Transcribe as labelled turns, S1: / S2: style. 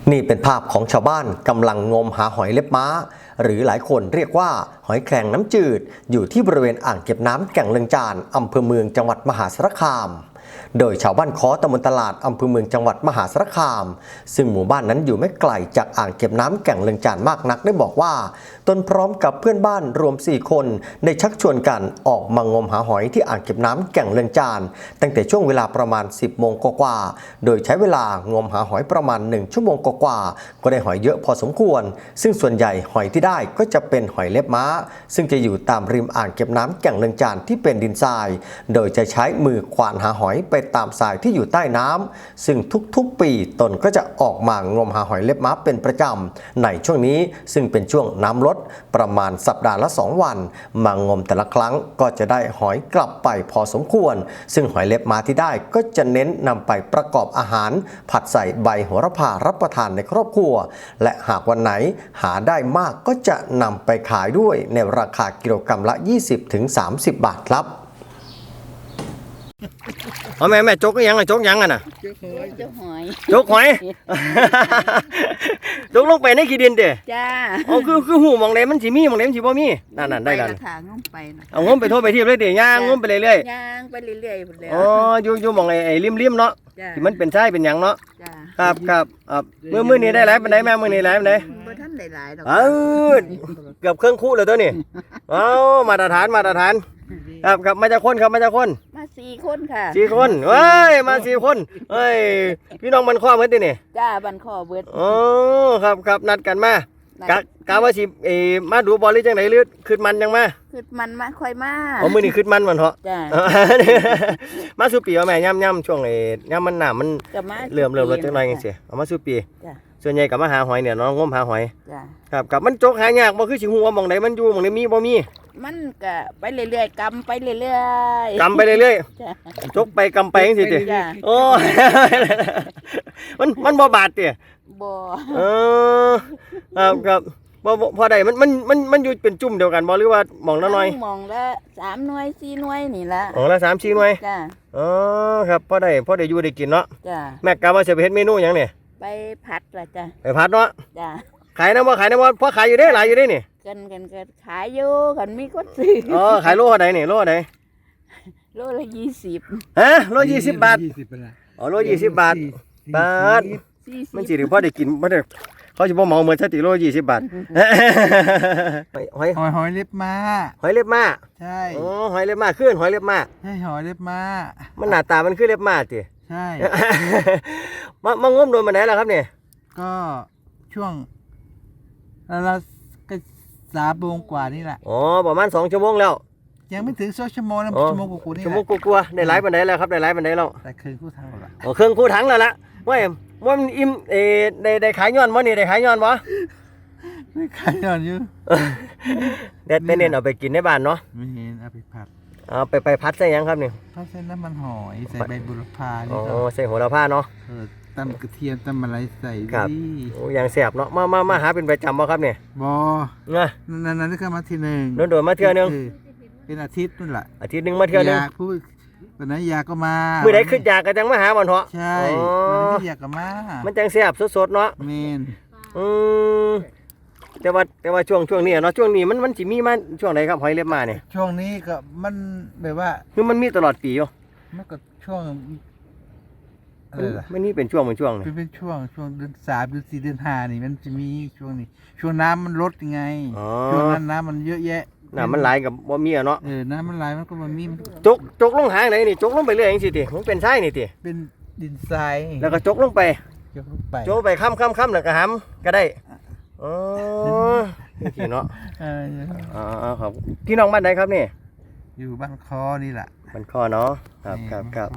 S1: นี่เป็นภาพของชาวบ้านกำลังงมหาหอยเล็บม้าหรือหลายคนเรียกว่าหอยแครงน้ำจืดอยู่ที่บริเวณอ่างเก็บน้ำแก่งเลืองจานอำเภอเมืองจังหวัดมหาสารคามโดยชาวบ้านค้อตำบลตลาดอำเภอเมืองจังหวัดมหาสารคามซึ่งหมู่บ้านนั้นอยู่ไม่ไกลจากอ่างเก็บน้ำแก่งเลืองจานมากนักได้บอกว่าตนพร้อมกับเพื่อนบ้านรวม4คนได้ชักชวนกันออกมางมหาหอยที่อ่างเก็บน้ำแก่งเลืองจานตั้งแต่ช่วงเวลาประมาณ 10 โมงกว่าโดยใช้เวลางมหาหอยประมาณ1 ชั่วโมงกว่าก็ได้หอยเยอะพอสมควรซึ่งส่วนใหญ่หอยที่ได้ก็จะเป็นหอยเล็บม้าซึ่งจะอยู่ตามริมอ่างเก็บน้ำแก่งเลืองจานที่เป็นดินทรายโดยจะใช้มือควานหาหอยไปตามทรายที่อยู่ใต้น้ำซึ่งทุกๆปีตนก็จะออกมางมหาหอยเล็บม้าเป็นประจำในช่วงนี้ซึ่งเป็นช่วงน้ำลดประมาณสัปดาห์ละ2 วันมางมแต่ละครั้งก็จะได้หอยกลับไปพอสมควรซึ่งหอยเล็บม้าที่ได้ก็จะเน้นนำไปประกอบอาหารผัดใส่ใบโหระพารับประทานในครอบครัวและหากวันไหนหาได้มากก็จะนำไปขายด้วยในราคากิโลกรัมละ 20-30 บาทครับเอาแม่จกยังอ่ะจกยังอ่ะน่ะ
S2: จกหอย
S1: จกหอย จกลงไปในขี้ดินเด้
S2: จ้า
S1: เอาคือหูมองเลยมันสิมีมองเลยมันสิบ่มีนั่นได้แล้ว
S2: งมไปนะ
S1: เอางมไปโทษไปที่เลยเด้ย่างงมไปเรื่อย
S2: ย่างไปเรื่อยๆหมดแล้ว
S1: อ๋ออยู่มองไอ้ริมเนาะที่มันเป็นทรายเป็นหยังเนาะครับมื้อนี้ได้หลายปานใดแม่มื้อนี้หลายปานใด
S2: บ่ทันได้หลายดอก
S1: เกือบเครื่องคู่แล้วตัวนี้เอามาตรฐานครับมาจากคนมา
S2: 4 คนค่ะ
S1: 4 คนเว้ยมา4 คนเฮ้ยพี่น้องมันข้อเหมือนตินี่
S2: จ้าบันข้อเบิด
S1: อ๋อครับนัดกันมากะว่าสิมาดูบอลหรือจังได๋หรือขึ้นมันยังมา
S2: ขึ้นมันมาค่อยมา
S1: อ๋อมื้อนี้ขึ้นมันมันเถาะ
S2: จ้า
S1: มาสู่ปีเอาแม่ย่ำช่วงย่ำมันน้ำมันเริ่มลดจังหน่อยจังซี่เอามาสู่ปี
S2: จ้า
S1: ส่วนใหญ่ก็มาหาหอยเนี่ยน้องงมหาหอย
S2: จ้า
S1: ครับกับมันจกหายากบ่คือสิฮู้ว่าหม่องใดมันอยู่หม่องใดมีบ่มี
S2: มันก็ไปเรื่อยๆกำไปเรื่อย
S1: ๆกำไปเรื่อยๆจกไปกำไปจังซี่ติโอ้มันบ่บาดติ
S2: บ่
S1: ครับพอได้มันอยู่เป็นจุ่มเดียวกันบ่หรือว่าหม่องละน้อย
S2: หม่องละ3 หน่วย 4 หน่วยนี่ล่ะ
S1: หม่องละ3-4 หน่วย
S2: จ้า
S1: อ๋อครับพอได้อยู่ได้กินเนาะ
S2: จ้า
S1: แม่กะว่าสิไปเฮ็ดเมนูหยังนี่
S2: ไปผัดล่ะจ้า
S1: ไปผัดเนาะ
S2: จ้า
S1: ขายนำบ่พอขายอยู่เด้หลายอยู่เด้นี่
S2: กันขายอยู่กันมีคนซื้อ
S1: อ๋อขายโลเท่าใดนี่โลเท่าใด
S2: โลละ20
S1: ฮะโล20 บาทอ๋อโล20 บาทมันสิถึงพอได้กินบ่ได้เขาสิบ่เหมาเหมือนสติโล20 บาทห
S3: อยเล็บม้าใช่
S1: อ๋อหอยเล็บม้าคือหอยเล็บม้า
S3: ใช่หอยเล็บม้า
S1: มันหน้าตามันคือเล็บม้าติ
S3: ใช่
S1: มางมโดนมาไหนล่ะครับเนี่ย
S3: ก็ช่วงเราก็3 โมงกว่านี่แหละ
S1: อ๋อประมาณ2 ชั่วโมงแล้ว
S3: ยังไม่ถึง2 ชั่วโมงนะชั่วโมงกว่านี่
S1: ชั่วโมงกว่าได้หลายปานใดแล้วครับได้หลายปานใดแล้ว
S3: แต่เครื่องคู่ถังแล้วล่ะ
S1: เครื่องคู่ถังแล้วล่ะว่ามันอิ่มได้ขายย้อนบ่นี่ได้ขายย้อนบ่
S3: ไม่ขายย้อนอยู่
S1: เน้นเอาไปกินในบ้านเนาะ
S3: ไม่เห็นเอาไปผัด
S1: เอาไปพัดใส่ยังครับนี่
S3: พัดใส่น้ำมันหอยใส่ใบบุรพา
S1: นี่ก็ใส่โหระพาเนาะ
S3: ตำกระเทียมตำอะไรใส่
S1: ดิโอ้ยังแซ่บเนาะมาหาเป็นประจำบ่ครับเนี่ย
S3: บ่นั่นก็มาทีนึง
S1: โดนมาเทื่อนึง
S3: เป็นอาทิตย์นั่นแหละ
S1: อาทิตย์นึงมาเทื่อนึง
S3: พูดวันไหนอยากก็มา
S1: มื้อใดขึ้นอยากก็จังมาหาบ่เถาะ
S3: ใช่วันไหนอยากก็มา
S1: มันจังแซ่บสดๆเนาะ
S3: แม่น
S1: แต่ว่าช่วงนี้เนาะช่วงนี้มันสิมีมาช่วงไหนครับหอยเล็บมาเนี่ย
S3: ช่วงนี้ก็มันแบบว่า
S1: คือมันมีตลอดปีอยู่
S3: มันก็ช่วง
S1: มันนี่เป็นช่วง
S3: เป็นช่วงเดือน3 เดือน 4 เดือน 5นี่มันจะมีช่วงนี้ช่วงน้ำมันลดยังไงช่วงนั้นน้ำมันเยอะแยะ
S1: น้ำมันไหลกับบ่มีเนาะ
S3: น้ำมันไหลมันก็บ่มี
S1: จกลงหางไหนนี่จกลงไปเรื่อยจังซี่ติมันเป็นทรายนี่ติ
S3: เป็นดินทราย
S1: แล้วก็จกลงไปค่ำแล้วก็หำก็ได้อ๋อนี่เนาะครับพี่น้องบ้านไหนครับนี่
S3: อยู่บ้านคอนี่แหละ
S1: บ้านคอเนาะครับ